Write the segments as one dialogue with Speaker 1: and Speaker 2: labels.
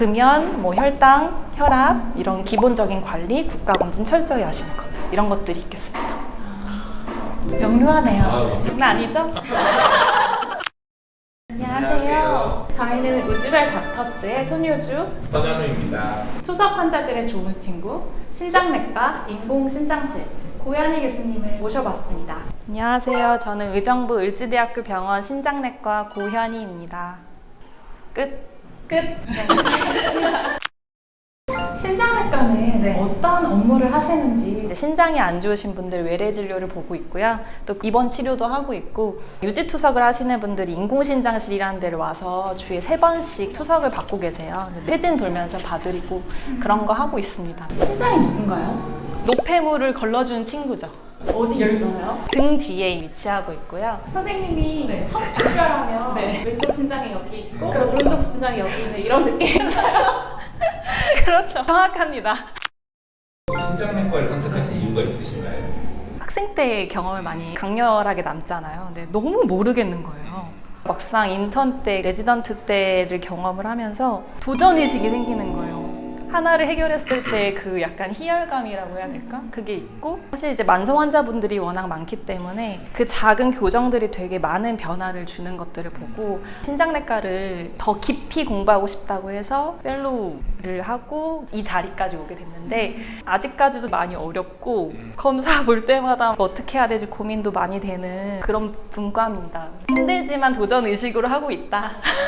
Speaker 1: 금연, 뭐 혈당, 혈압 이런 기본적인 관리, 국가검진 철저히 하시는 거 이런 것들이 있겠습니다.
Speaker 2: 명료하네요.
Speaker 1: 장난 아니죠?
Speaker 2: 안녕하세요. 저희는 우즈벨 닥터스의 손효주,
Speaker 3: 서현우입니다.
Speaker 2: 투석 환자들의 좋은 친구, 신장내과 인공신장실 고현희 교수님을 모셔봤습니다.
Speaker 1: 안녕하세요. 저는 의정부 을지대학교 병원 신장내과 고현희입니다. 끝.
Speaker 2: 신장내과는
Speaker 1: 네.
Speaker 2: 어떤 업무를 하시는지
Speaker 1: 신장이 안 좋으신 분들 외래 진료를 보고 있고요. 또 입원 치료도 하고 있고 유지 투석을 하시는 분들이 인공신장실이라는 데를 와서 주에 3번씩 투석을 받고 계세요. 회진 돌면서 봐드리고 그런 거 하고 있습니다.
Speaker 2: 신장이 누군가요?
Speaker 1: 노폐물을 걸러준 친구죠.
Speaker 2: 어디 있어요?
Speaker 1: 등 뒤에 위치하고 있고요.
Speaker 2: 선생님이 척추뼈라면 왼쪽 신장이 여기 있고
Speaker 1: 그렇죠.
Speaker 2: 오른쪽 신장이 여기 있는 이런 느낌인가요?
Speaker 1: 그렇죠. 정확합니다.
Speaker 3: 신장내과를 선택하신 이유가 있으신가요?
Speaker 1: 학생 때 경험을 많이 강렬하게 남잖아요. 근데 너무 모르겠는 거예요. 막상 인턴 때, 레지던트 때를 경험을 하면서 도전의식이 생기는 거예요. 하나를 해결했을 때 그 약간 희열감이라고 해야 될까? 그게 있고 사실 이제 만성 환자분들이 워낙 많기 때문에 그 작은 교정들이 되게 많은 변화를 주는 것들을 보고 신장내과를 더 깊이 공부하고 싶다고 해서 펠로우를 하고 이 자리까지 오게 됐는데 아직까지도 많이 어렵고 검사 볼 때마다 어떻게 해야 될지 고민도 많이 되는 그런 분과입니다. 힘들지만 도전의식으로 하고 있다.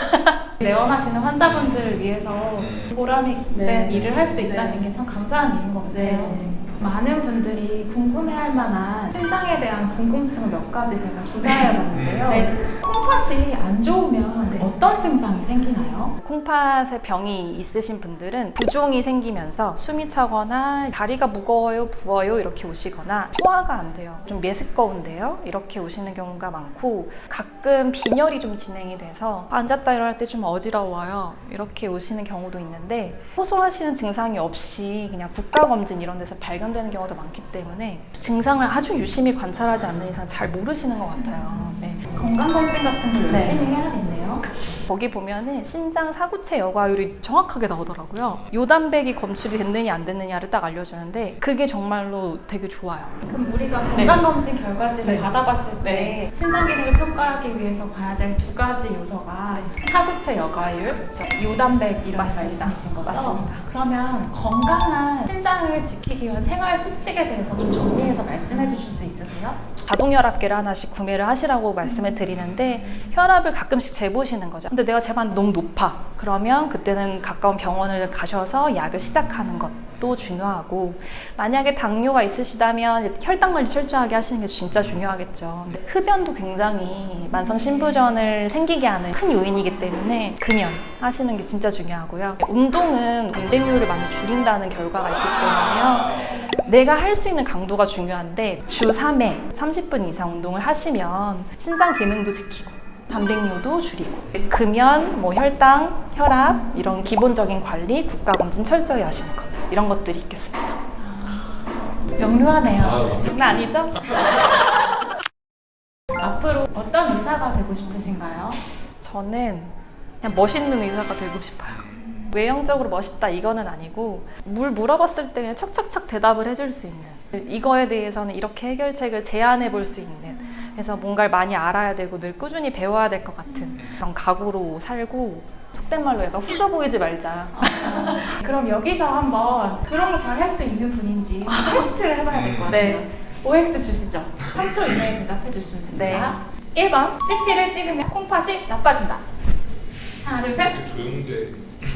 Speaker 2: 내원하시는 환자분들을 위해서 보람 있는 일을 할 수 있다는 게 참 감사한 일인 것 같아요. 많은 분들이 궁금해할 만한 신장에 대한 궁금증을 몇 가지 제가 조사해봤는데요. 콩팥이 안 좋으면 어떤 증상이 생기나요?
Speaker 1: 콩팥에 병이 있으신 분들은 부종이 생기면서 숨이 차거나 다리가 무거워요, 부어요 이렇게 오시거나 소화가 안 돼요. 좀 메스꺼운데요? 이렇게 오시는 경우가 많고 가끔 빈혈이 좀 진행이 돼서 앉았다 일어날 때 좀 어지러워요. 이렇게 오시는 경우도 있는데 호소하시는 증상이 없이 그냥 국가검진 이런 데서 발견되는 경우도 많기 때문에 증상을 아주 유심히 관찰하지 않는 이상 잘 모르시는 것 같아요. 네.
Speaker 2: 건강검진 같은 거 열심히 해야겠네요.
Speaker 1: 거기 보면은 신장 사구체 여과율이 정확하게 나오더라고요. 요단백이 검출이 됐느냐 안 됐느냐를 딱 알려주는데 그게 정말로 되게 좋아요.
Speaker 2: 그럼 우리가 건강검진 결과지를 받아봤을 때 신장 기능을 평가하기 위해서 봐야 될 두 가지 요소가 사구체 여과율, 요단백이라는 말씀이신 거죠?
Speaker 1: 맞습니다.
Speaker 2: 그러면 건강한 신장을 지키기 위한 생활 수칙에 대해서 좀 정리해서 말씀해 주실 수 있으세요?
Speaker 1: 자동혈압계를 하나씩 구매를 하시라고 말씀을 드리는데 혈압을 가끔씩 재보시는 거죠. 근데 내가 재봤는데 너무 높아. 그러면 그때는 가까운 병원을 가셔서 약을 시작하는 것도 중요하고 만약에 당뇨가 있으시다면 혈당 관리 철저하게 하시는 게 진짜 중요하겠죠. 근데 흡연도 굉장히 만성 신부전을 생기게 하는 큰 요인이기 때문에 금연 하시는 게 진짜 중요하고요. 운동은 운동량을 많이 줄인다는 결과가 있기 때문에요. 내가 할 수 있는 강도가 중요한데 주 3회 30분 이상 운동을 하시면 신장 기능도 지키고 단백뇨도 줄이고 금연, 뭐 혈당, 혈압 이런 기본적인 관리, 국가검진 철저히 하시는 거 이런 것들이 있겠습니다.
Speaker 2: 명료하네요.
Speaker 1: 장난 아니죠?
Speaker 2: 앞으로 어떤 의사가 되고 싶으신가요?
Speaker 1: 저는 그냥 멋있는 의사가 되고 싶어요. 외형적으로 멋있다 이거는 아니고 물어봤을 때 그냥 척척척 대답을 해줄 수 있는 이거에 대해서는 이렇게 해결책을 제안해 볼 수 있는 그래서 뭔가를 많이 알아야 되고 늘 꾸준히 배워야 될 것 같은 그런 각오로 살고 속된 말로 약간 후져 보이지 말자.
Speaker 2: 그럼 여기서 한번 그런 거 잘 할 수 있는 분인지 테스트를 해봐야 될 것 같아요.
Speaker 1: 네.
Speaker 2: OX 주시죠. 3초 이내에 대답해 주시면 됩니다. 1번 CT를 찍으면 콩팥이 나빠진다. 하나 둘 셋.
Speaker 3: 조영재.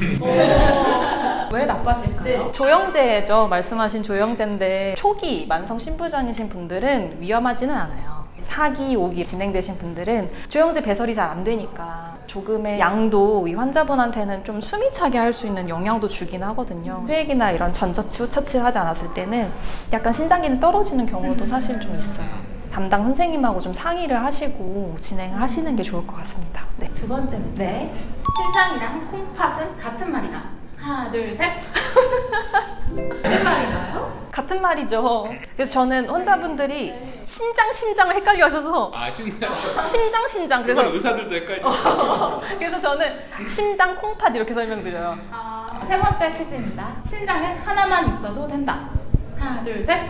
Speaker 2: 왜 나빠질까요?
Speaker 1: 조영제죠. 말씀하신 조영제인데 초기 만성 신부전이신 분들은 위험하지는 않아요. 4기, 5기 진행되신 분들은 조영제 배설이 잘 안 되니까 조금의 양도 이 환자분한테는 좀 숨이 차게 할 수 있는 영향도 주긴 하거든요. 수액이나 이런 전처치, 후처치 하지 않았을 때는 약간 신장 기능 떨어지는 경우도 사실 좀 있어요. 담당 선생님하고 좀 상의를 하시고 진행하시는 게 좋을 것 같습니다. 네.
Speaker 2: 두 번째 문제. 신장이랑 콩팥은 같은 말이다. 하나 둘 셋. 같은 말인가요?
Speaker 1: 같은 말이죠. 그래서 저는 환자분들이 심장을 헷갈려 하셔서
Speaker 3: 신장.
Speaker 1: 그래서
Speaker 3: 의사들도 헷갈려.
Speaker 1: 그래서 저는 심장 콩팥 이렇게 설명드려요.
Speaker 2: 세 번째 퀴즈입니다. 신장은 하나만 있어도 된다. 하나, 둘, 셋.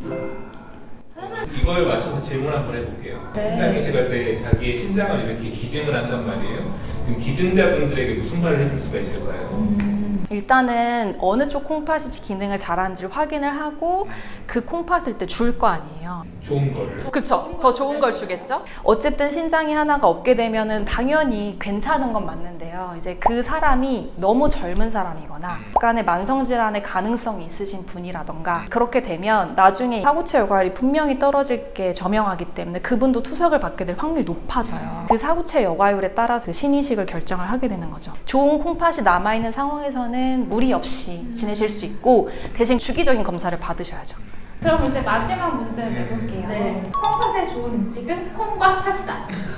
Speaker 3: 이걸 맞춰서 질문 한번 해볼게요.
Speaker 2: 네.
Speaker 3: 신장 이식할 때 자기의 신장을 이렇게 기증을 한단 말이에요. 그럼 기증자분들에게 무슨 말을 해줄 수가 있을까요?
Speaker 1: 일단은 어느 쪽 콩팥이 기능을 잘하는지를 확인을 하고 그 콩팥을 때 줄 거 아니에요.
Speaker 3: 좋은 거를.
Speaker 1: 그쵸. 더 좋은 걸 주겠죠? 어쨌든 신장이 하나가 없게 되면은 당연히 괜찮은 건 맞는데요. 이제 그 사람이 너무 젊은 사람이거나 약간의 만성질환의 가능성이 있으신 분이라던가 그렇게 되면 나중에 사구체 여과율이 분명히 떨어질 게 저명하기 때문에 그분도 투석을 받게 될 확률이 높아져요. 그 사구체 여과율에 따라서 그 신이식을 결정을 하게 되는 거죠. 좋은 콩팥이 남아있는 상황에서는 무리 없이 지내실 수 있고 대신 주기적인 검사를 받으셔야죠.
Speaker 2: 그럼 이제 마지막 문제 내볼게요.
Speaker 1: 네.
Speaker 2: 콩팥에 좋은 음식은 콩과 팥이다.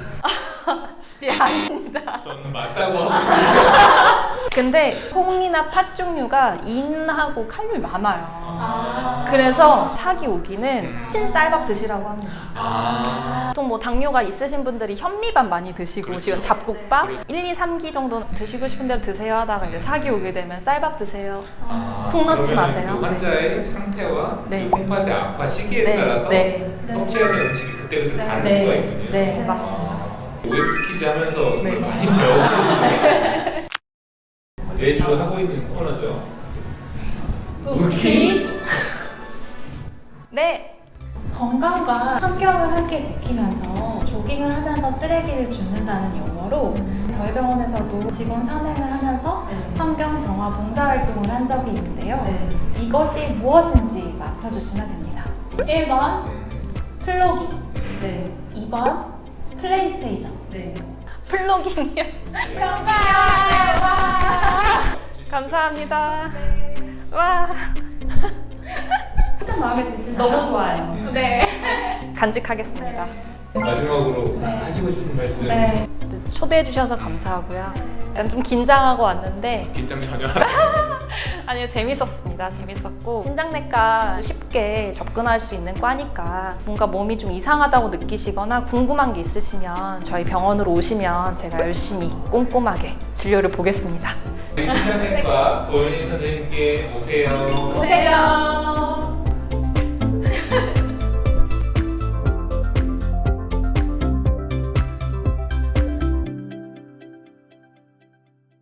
Speaker 1: 아닙니다.
Speaker 3: 저는 맞다고 하고 싶은데.
Speaker 1: 근데 콩이나 팥 종류가 인하고 칼륨이 많아요.
Speaker 2: 아.
Speaker 1: 그래서 사기 오기는 흰쌀밥 드시라고 합니다.
Speaker 3: 아.
Speaker 1: 보통 뭐 당뇨가 있으신 분들이 현미밥 많이 드시고
Speaker 3: 그렇죠.
Speaker 1: 지금 잡곡밥
Speaker 3: 그렇죠.
Speaker 1: 1, 2, 3기 정도 드시고 싶은 대로 드세요 하다가 이제 사기 오게 되면 쌀밥 드세요.
Speaker 3: 아,
Speaker 1: 콩 넣지
Speaker 3: 그러면
Speaker 1: 마세요.
Speaker 3: 그 환자의 상태와
Speaker 1: 네.
Speaker 3: 그 콩팥의 악화 시기에
Speaker 1: 네,
Speaker 3: 따라서
Speaker 1: 네.
Speaker 3: 섭취해야 되는 음식이 그때그때
Speaker 2: 네.
Speaker 3: 다를
Speaker 1: 네.
Speaker 3: 수가 있군요.
Speaker 1: 네, 맞습니다.
Speaker 3: OX 퀴즈 하면서 정말
Speaker 1: 네.
Speaker 3: 많이 배우고 매주 하고 있는 코너죠.
Speaker 2: 퀴즈.
Speaker 1: 네.
Speaker 2: 건강과 환경을 함께 지키면서 조깅을 하면서 쓰레기를 줍는다는 용어로 저희 병원에서도 직원 산행을 하면서 환경 정화 봉사활동을 한 적이 있는데요. 이것이 무엇인지 맞춰주시면 됩니다. 1번 플로깅,
Speaker 1: 네.
Speaker 2: 2번 플레이스테이션.
Speaker 1: 네. 플로깅이요.
Speaker 2: 정답! 와!
Speaker 1: 감사합니다. 와.
Speaker 2: 쿠션 마음에 드시나요?
Speaker 1: 너무 좋아요.
Speaker 2: 네.
Speaker 1: 간직하겠습니다.
Speaker 3: 마지막으로
Speaker 2: 네.
Speaker 3: 하시고 싶은 말씀.
Speaker 2: 네.
Speaker 1: 초대해 주셔서 감사하고요. 약간 좀 긴장하고 왔는데
Speaker 3: 긴장 전혀 안 하세요.
Speaker 1: 아니요, 재밌었습니다. 재밌었고 신장내과 쉽게 접근할 수 있는 과니까 뭔가 몸이 좀 이상하다고 느끼시거나 궁금한 게 있으시면 저희 병원으로 오시면 제가 열심히 꼼꼼하게 진료를 보겠습니다.
Speaker 3: 신장내과 고현희 선생님께 오세요.
Speaker 2: 오세요.